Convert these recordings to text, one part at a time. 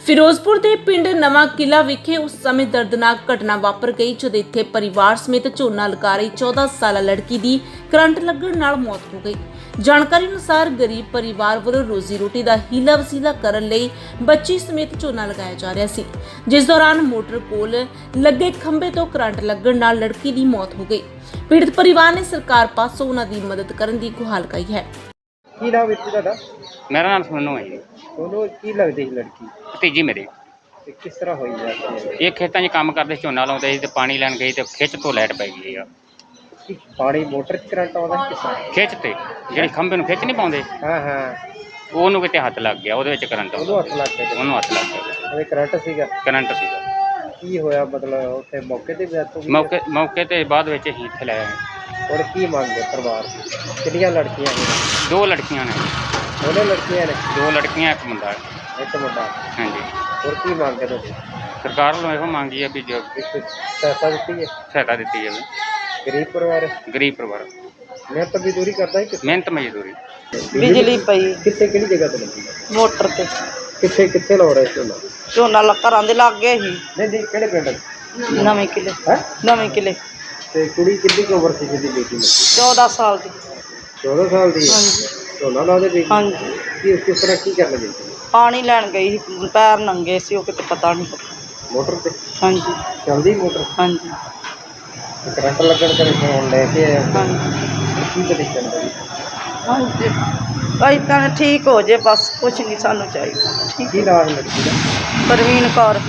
ਫਿਰੋਜ਼ਪੁਰ ਦੇ ਪਿੰਡ ਨਵਾਂ ਕਿਲਾ ਵਿਖੇ ਉਸ ਸਮੇਂ ਦਰਦਨਾਕ ਘਟਨਾ ਵਾਪਰ ਗਈ ਜਦ ਇੱਥੇ ਪਰਿਵਾਰ ਸਮੇਤ ਝੋਨਾ ਲਗਾ ਰਹੀ 14 ਸਾਲਾ ਲੜਕੀ ਦੀ ਕਰੰਟ ਲੱਗਣ ਨਾਲ ਮੌਤ ਹੋ ਗਈ। ਜਾਣਕਾਰੀ ਅਨੁਸਾਰ ਗਰੀਬ ਪਰਿਵਾਰ ਵੱਲੋਂ ਰੋਜ਼ੀ ਰੋਟੀ ਦਾ ਹੀਲਾ ਵਸੀਲਾ ਕਰਨ ਲਈ ਬੱਚੀ ਸਮੇਤ ਝੋਨਾ ਲਗਾਇਆ ਜਾ ਰਿਹਾ ਸੀ, ਜਿਸ ਦੌਰਾਨ ਮੋਟਰ ਕੋਲ ਲੱਗੇ ਖੰਭੇ ਤੋਂ ਕਰੰਟ ਲੱਗਣ ਨਾਲ ਲੜਕੀ ਦੀ ਮੌਤ ਹੋ ਗਈ। ਪੀੜਤ ਪਰਿਵਾਰ ਨੇ ਸਰਕਾਰ ਪਾਸੋਂ ਉਹਨਾਂ ਦੀ ਮਦਦ ਕਰਨ ਦੀ ਗੁਹਾਰ ਲਗਾਈ ਹੈ। ਕੀ ਨਾਮ ਵਿੱਚ ਤੁਹਾਡਾ? ਮੇਰਾ ਨਾਮ ਸੋਨੂ ਹੈ ਜੀ। ਉਹਨੂੰ ਕੀ ਲੱਗਦੀ ਸੀ ਲੜਕੀ ਭਤੀਜੀ ਮੇਰੀ। ਤੇ ਕਿਸ ਤਰ੍ਹਾਂ ਹੋਈ ਜਾਂਦੀ ਇਹ ਖੇਤਾਂ 'ਚ ਕੰਮ ਕਰਦੇ ਸੀ, ਝੋਨਾ ਲਾਉਂਦੇ ਸੀ ਤੇ ਪਾਣੀ ਲੈਣ ਗਈ ਤੇ ਖਿੱਚ ਤੋਂ ਲਾਈਟ ਪੈ ਗਈ ਆ। ਕਿ ਪਾਣੀ ਮੋਟਰ 'ਚ ਕਰੰਟ ਆਉਂਦਾ ਕਿਸ ਤਰ੍ਹਾਂ? ਖਿੱਚ ਤੇ ਜਿਹੜੀ ਖੰਭੇ ਨੂੰ ਖਿੱਚ ਨਹੀਂ ਪਾਉਂਦੇ, ਹਾਂ ਉਹਨੂੰ ਕਿਤੇ ਹੱਥ ਲੱਗ ਗਿਆ, ਉਹਦੇ ਵਿੱਚ ਕਰੰਟ ਉਹਨੂੰ ਹੱਥ ਲੱਗ ਗਿਆ। ਉਹਨੂੰ ਹੱਥ ਲੱਗ ਗਿਆ, ਉਹਦੇ ਕਰੰਟ ਸੀਗਾ। ਕਰੰਟ ਸੀਗਾ। ਕੀ ਹੋਇਆ ਮਤਲਬ ਉੱਥੇ ਮੌਕੇ ਤੇ ਡੈਥ ਹੋ ਗਈ? ਮੌਕੇ ਤੇ ਬਾਅਦ ਵਿੱਚ ਅਸੀਂ ਇੱਥੇ ਲੈ ਆਏ। ਹੁਣ ਕੀ ਮੰਗਦੇ ਪਰਿਵਾਰ ਦੀ? ਕਿੰਨੀਆਂ ਲੜਕੀਆਂ ਨੇ? 2 ਲੜਕੀਆਂ ਨੇ। ਦੋਨੇ ਲੜਕੀਆਂ ਨੇ? 2 ਲੜਕੀਆਂ ਇੱਕ ਮੁੰਡਾ। ਇੱਕ ਮੁੰਡਾ। ਹਾਂਜੀ। ਹੋਰ ਕੀ ਮੰਗਦੇ ਤੁਸੀਂ? ਸਰਕਾਰ ਵੱਲੋਂ ਇਹੋ ਮੰਗੀ ਆ ਵੀ ਜੋ ਸਹਾਇਤਾ ਦਿੱਤੀ ਹੈ, ਸਹਾਇਤਾ ਦਿੱਤੀ ਜਾਵੇ। ਗਰੀਬ ਪਰਿਵਾਰ ਹੈ? ਗਰੀਬ ਪਰਿਵਾਰ। ਮਿਹਨਤ ਮਜ਼ਦੂਰੀ ਕਰਦਾ ਹੈ? ਮਿਹਨਤ ਮਜ਼ਦੂਰੀ। ਬਿਜਲੀ ਪਈ ਕਿੱਥੇ ਕਿਹੜੀ ਜਗ੍ਹਾ ਤੇ ਲੱਗੀ? ਮੋਟਰ ਤੇ। ਕਿੱਥੇ ਲਾ ਰਹੇ ਝੋਨਾ? ਝੋਨਾ ਘਰਾਂ ਦੇ ਲਾਗੇ ਹੀ। ਨਹੀਂ ਕਿਹੜੇ ਪਿੰਡ? ਨਵੇਂ ਕਿਲੇ। ਹੈ ਨਵੇਂ ਕਿਲੇ। ਤੇ ਕੁੜੀ ਕਿੰਨੀ ਕੁ ਉਮਰ ਸੀ ਜਿਹਦੀ ਬੇਟੀ ਲੱਗੀ? 14 ਸਾਲ ਦੀ। 14 ਸਾਲ ਦੀ? ਹਾਂਜੀ ਝੋਨਾ ਲਾ ਦੇ ਬੇਟੀ? ਹਾਂਜੀ। ਕਿਸ ਤਰ੍ਹਾਂ ਕੀ ਕਰਨ ਗਈ ਸੀ? ਪਾਣੀ ਲੈਣ ਗਈ ਸੀ, ਪੈਰ ਨੰਗੇ ਸੀ, ਉਹ ਕਿਤੇ ਪਤਾ ਨਹੀਂ। ਮੋਟਰ ਤੇ? ਹਾਂਜੀ ਚੱਲਦੀ ਮੋਟਰ? ਹਾਂਜੀ ਤੇ ਕਰੰਟ ਲੱਗਣ ਕਰਕੇ ਫੋਨ ਲੈ ਕੇ ਆਇਆ? ਹਾਂਜੀ ਕੀ ਕੰਡੀਸ਼ਨ ਹੈ? ਹਾਂਜੀ ਭਾਈ ਤਾਂ ਠੀਕ ਹੋ ਜੇ, ਬਸ ਕੁਛ ਨਹੀਂ ਸਾਨੂੰ ਚਾਹੀਦਾ। ਠੀਕ। ਕੀ ਨਾਮ ਲੜਕੀ ਦਾ? ਪ੍ਰਵੀਨ ਕੌਰ।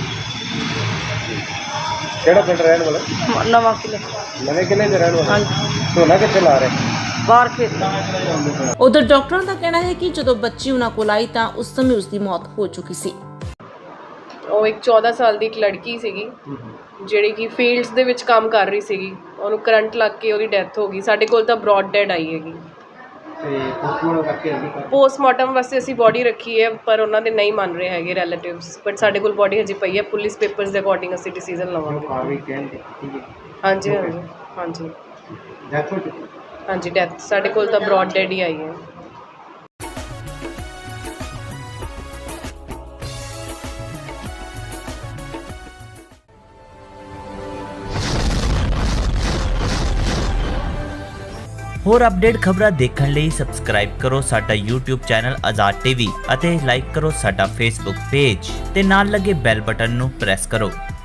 ਕਿਹੜਾ ਪਿੰਡ ਰਹਿਣ ਵਾਲਾ? ਨਵਾਂ ਕਿਲੇ। ਨਵੇਂ ਕਿਲੇ ਦੇ ਰਹਿਣ ਵਾਲਾ? ਹਾਂਜੀ। ਝੋਨਾ ਕਿੱਥੇ ਲਾ ਰਹੇ? ਬਾਹਰ ਖੇਤ। ਉਧਰ ਡਾਕਟਰਾਂ ਦਾ ਕਹਿਣਾ ਹੈ ਕਿ ਜਦੋਂ ਬੱਚੀ ਉਹਨਾਂ ਕੋਲ ਆਈ ਤਾਂ ਉਸ ਸਮੇਂ ਉਸ ਦੀ ਮੌਤ ਹੋ ਚੁੱਕੀ ਸੀ। ਉਹ ਇੱਕ 14 ਸਾਲ ਦੀ ਇੱਕ ਲੜਕੀ ਸੀਗੀ ਜਿਹੜੀ ਕਿ ਫੀਲਡਸ ਦੇ ਵਿੱਚ ਕੰਮ ਕਰ ਰਹੀ ਸੀਗੀ। ਉਹਨੂੰ ਕਰੰਟ ਲੱਗ ਕੇ ਉਹਦੀ ਡੈਥ ਹੋ ਗਈ। ਸਾਡੇ ਕੋਲ ਤਾਂ ਬ੍ਰੌਡ ਡੈਡ ਆਈ ਹੈਗੀ। ਤੇ ਪੋਸਟਮਾਰਟਮ ਕਰਕੇ ਆਂਦੀ ਕਰ? ਪੋਸਟਮਾਰਟਮ ਵਾਸਤੇ ਅਸੀਂ ਬੋਡੀ ਰੱਖੀ ਹੈ, ਪਰ ਉਹਨਾਂ ਦੇ ਨਹੀਂ ਮੰਨ ਰਹੇ ਹੈਗੇ ਰਿਲੇਟਿਵਸ। ਬਟ ਸਾਡੇ ਕੋਲ ਬੋਡੀ ਹਜੇ ਪਈ ਹੈ। ਪੁਲਿਸ ਪੇਪਰਸ ਦੇ ਅਕੋਰਡਿੰਗ ਅਸੀਂ ਡਿਸੀਜਨ ਲਵਾਂਗੇ। ਕਾਰਵਾਈ ਕਹਿਣਗੇ ਠੀਕ ਹੈ। ਹਾਂਜੀ ਹਾਂਜੀ ਹਾਂਜੀ ਡੈਥ ਹੋ ਚੁੱਕੀ? ਹਾਂਜੀ ਡੈਥ ਸਾਡੇ ਕੋਲ ਤਾਂ ਬ੍ਰੌਡ ਡੈਡ ਹੀ ਆਈ ਹੈ। ਹੋਰ ਅਪਡੇਟ ਖਬਰਾਂ ਦੇਖਣ ਲਈ ਸਬਸਕ੍ਰਾਈਬ ਕਰੋ ਸਾਡਾ YouTube ਚੈਨਲ ਆਜ਼ਾਦ TV ਅਤੇ ਲਾਈਕ ਕਰੋ ਸਾਡਾ Facebook ਪੇਜ ਤੇ ਨਾਲ ਲੱਗੇ ਬੈਲ ਬਟਨ ਨੂੰ ਪ੍ਰੈਸ ਕਰੋ।